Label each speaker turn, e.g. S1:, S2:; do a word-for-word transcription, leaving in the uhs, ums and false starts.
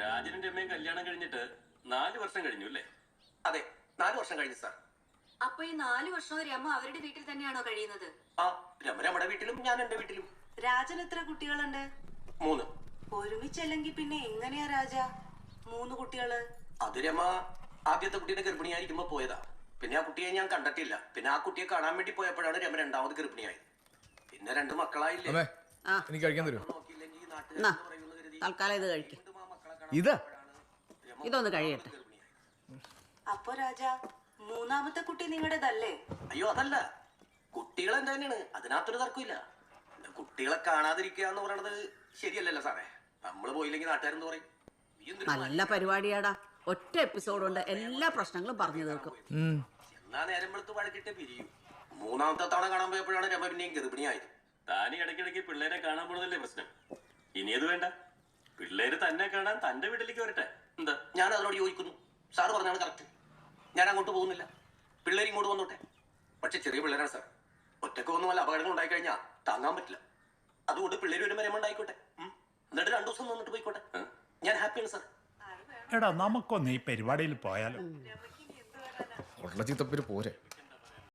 S1: രാജനും രമയും കല്യാണം കഴിഞ്ഞിട്ട് നാല് വർഷം കഴിഞ്ഞു അല്ലേ?
S2: അതെ, നാല് വർഷം കഴിഞ്ഞു സാർ.
S3: അപ്പൊ ഈ നാല് വർഷവും രമ അവരുടെ വീട്ടിൽ തന്നെയാണോ കഴിയുന്നത്?
S2: ആ, രമ നമ്മുടെ വീട്ടിലും ഞാൻ എന്റെ വീട്ടിലും.
S4: രാജൻ എത്ര കുട്ടികളുണ്ട്?
S2: മൂന്ന്.
S4: ഒരുമിച്ചല്ലെങ്കിൽ പിന്നെ എങ്ങനെയാ രാജ മൂന്ന് കുട്ടികള്?
S2: അത് രമ ആദ്യത്തെ കുട്ടീനെ ഗർഭിണിയായിരിക്കുമ്പോ പോയതാ. പിന്നെ ആ കുട്ടിയെ ഞാൻ കണ്ടിട്ടില്ല. പിന്നെ ആ കുട്ടിയെ കാണാൻ വേണ്ടി പോയപ്പോഴാണ് രമ രണ്ടാമത് ഗർഭിണിയായത്. പിന്നെ രണ്ട് മക്കളായില്ലേ.
S5: എനിക്ക് കഴിക്കാൻ തരുമോ?
S2: നോക്കിയില്ലെങ്കിൽ നാട്ടുകാർ പറയുന്നത് കരുതി
S6: തൽക്കാലം ഇത് കഴിക്കും.
S5: ഇത്
S6: ഇതൊന്ന് കഴിയട്ടെ.
S4: അപ്പൊ രാജ മൂന്നാമത്തെ കുട്ടി നിങ്ങളുടേതല്ലേ?
S2: അയ്യോ അതല്ല, കുട്ടികൾ എന്താ തന്നെയാണ്, അതിനകത്തൊരു തർക്കമില്ല. കുട്ടികളെ കാണാതിരിക്കുക എന്ന് പറയണത് ശരിയല്ലല്ലോ സാറേ. നമ്മള് പോയില്ലെങ്കിൽ നാട്ടുകാരെന്ത് പറയും?
S6: നല്ല പരിപാടിയാടാ. ഒറ്റ എപ്പിസോഡ് കൊണ്ട് എല്ലാ പ്രശ്നങ്ങളും പറഞ്ഞു തീർക്കും.
S2: എന്നാ നേരം വെളുത്ത് വഴക്കിട്ട് പിരിയും. മൂന്നാമത്തെ തവണ കാണാൻ പോയപ്പോഴാണ് രമ പിന്നെയും ഗർഭിണിയായത്.
S1: താനി ഇടയ്ക്കിടയ്ക്ക് പിള്ളേരെ കാണാൻ പോണതല്ലേ പ്രശ്നം. ഇനി അത് വേണ്ട, പിള്ളേര് തന്നെ കാണാൻ തന്റെ വീട്ടിലേക്ക് വരട്ടെ.
S2: എന്താ, ഞാൻ അതിനോട് യോജിക്കുന്നു. സാറ് പറഞ്ഞാണ് കറക്റ്റ്. ഞാൻ അങ്ങോട്ട് പോകുന്നില്ല, പിള്ളേർ ഇങ്ങോട്ട് വന്നോട്ടെ. പക്ഷെ ചെറിയ പിള്ളേരാണ് സാർ. ഒറ്റക്ക് വന്ന് വല്ല അപകടങ്ങൾ ഉണ്ടായി കഴിഞ്ഞാൽ താങ്ങാൻ പറ്റില്ല. അതുകൊണ്ട് പിള്ളേർ വരുമ്പോൾ രമ ഉണ്ടായിക്കോട്ടെ. എന്നിട്ട് രണ്ടു ദിവസം വന്നിട്ട് പോയിക്കോട്ടെ. ഞാൻ ഹാപ്പിയാണ് സാർ.
S7: എടാ, നമുക്കൊന്ന് ഈ പരിപാടിയിൽ പോയാലോ?
S5: ഉള്ള ചീത്തപ്പേര് പോരെ.